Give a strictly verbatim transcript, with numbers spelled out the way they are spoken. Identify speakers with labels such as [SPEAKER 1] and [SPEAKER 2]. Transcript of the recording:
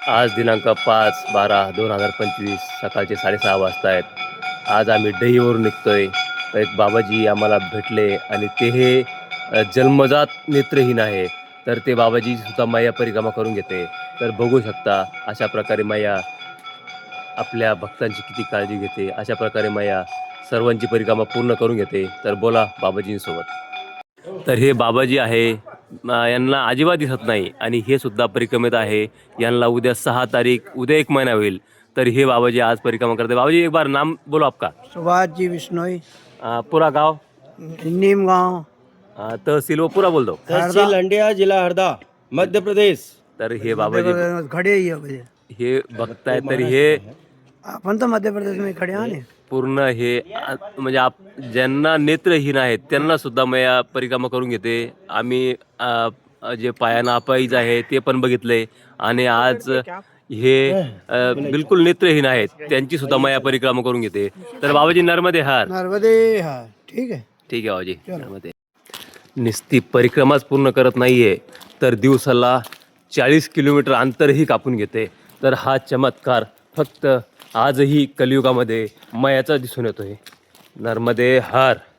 [SPEAKER 1] आज दिनांक पाच बारा दोन हजार पंचवीस सकाळचे साडेसहा वाजता आहेत. आज आम्ही डहीवरून निघतोय. तर एक बाबाजी आम्हाला भेटले आणि ते हे अ, जन्मजात नेत्रहीन आहे. तर ते बाबाजी सुद्धा मैया परिक्रमा करून घेते. तर बघू शकता अशा प्रकारे मैया आपल्या भक्तांची किती काळजी घेते. अशा प्रकारे मैया सर्वांची परिक्रमा पूर्ण करून घेते. तर बोला बाबाजींसोबत. तर हे बाबाजी आहे, अ, यांना अजिबात दिसत नाही आणि हे सुद्धा परिक्रमेत आहे. यांना उद्या सहा तारीख, उद्या एक महिना होईल. तर हे बाबाजी आज परिक्रमा करते. बाबाजी एक बार नाम बोलो आपका.
[SPEAKER 2] सुभाष जी बिश्नोई,
[SPEAKER 1] अ, पूरा गांव,
[SPEAKER 2] नीम गांव,
[SPEAKER 1] अ, तहसील वो पूरा बोल दो.
[SPEAKER 3] तहसील हंडिया, जिला हरदा, मध्य प्रदेश.
[SPEAKER 1] तर हे बाबाजी
[SPEAKER 2] खड़े ही है भैया।
[SPEAKER 1] हे भक्त आहेत. तर हे
[SPEAKER 2] अपन तो मध्य प्रदेश में खड़े हैं।
[SPEAKER 1] पूर्ण हे आ- म्हणजे आप ज्यांना नेत्रहीन आहेत त्यांना सुद्धा मैया परिक्रमा करून घेते. आम्ही अ, अ, जे पायानं अपाहिज आहे ते पण बघितले आणि आज हे अ, बिलकुल नेत्रहीन आहेत त्यांची सुद्धा मैया परिक्रमा करून घेते. तर बाबाजी नर्मदे हार.
[SPEAKER 2] नर्मदे हा, ठीक है।
[SPEAKER 1] ठीक आहे बाबाजी, नर्मदे. निस्ती परिक्रमाच पूर्ण करत नाहीये तर दिवसाला चाळीस किलोमीटर अंतरही कापून घेते. तर हा चमत्कार फक्त आजही कलियुगामध्ये मयाचा दिसून येतोय. नर्मदे हर.